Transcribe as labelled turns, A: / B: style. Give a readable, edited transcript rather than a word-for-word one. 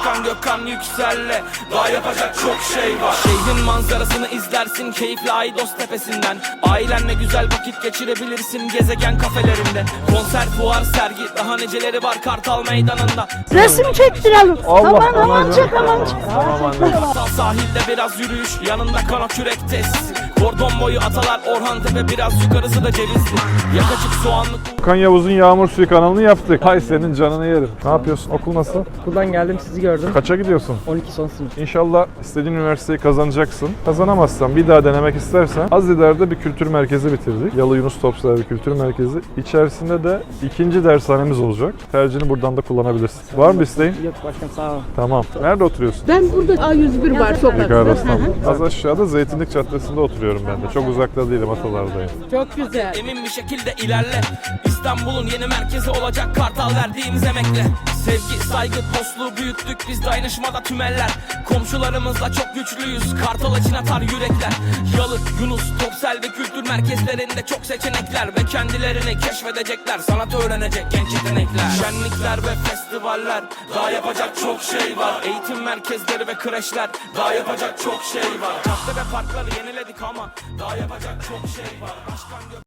A: Başkan Gökhan Yüksel'le daha yapacak çok şey var. Şehrin manzarasını izlersin keyifle Aydos tepesinden. Ailenle güzel vakit geçirebilirsin gezegen kafelerinde. Konser, fuar, sergi, daha neceleri var Kartal Meydanı'nda.
B: Resim çektirelim. Aman çek.
A: Kartal sahilde biraz yürüyüş, yanında kano kürek tesisi. Kordon boyu Atalar, Orhan Tepe, biraz yukarısı da Cevizli. Yakacık soğanlık.
C: Okan Yavuz'un Yağmur Suyu kanalını yaptık. Hay senin canını yerim. Ne yapıyorsun? Okul nasıl?
D: Okuldan geldim, sizi gördüm.
C: Kaça gidiyorsun?
D: 12 son sınıf.
C: İnşallah istediğin üniversiteyi kazanacaksın. Kazanamazsan, bir daha denemek istersen az ileride bir kültür merkezi bitirdik. Yalı Yunus Topsever Kültür Merkezi. İçerisinde de ikinci dershanemiz olacak. Tercihini buradan da kullanabilirsin. Var mı bir isteğin?
D: Yok başkanım, sağ ol.
C: Tamam. Nerede oturuyorsun?
B: Ben burada A101 var sokakta.
C: Yukarıda İstanbul. Az aşağıda Zeytinlik Caddesi'nde oturuyorum ben de. Çok uzakta değilim, Atalardayım.
B: Çok güzel.
A: Emin bir şekilde ilerle. İstanbul'un yeni merkezi olacak Kartal verdiğimiz emekle. Sevgi, saygı, dostluğu büyüttük biz dayanışmada tümeller. Komşularımızla çok güçlüyüz, Kartal için atar yürekler. Yalı, Yunus, Topsel ve kültür merkezlerinde çok seçenekler. Ve kendilerini keşfedecekler, sanat öğrenecek genç yetenekler. Şenlikler ve festivaller, daha yapacak çok şey var. Eğitim merkezleri ve kreşler, daha yapacak çok şey var. Cadde ve parkları yeniledik ama daha yapacak çok şey var. Başkan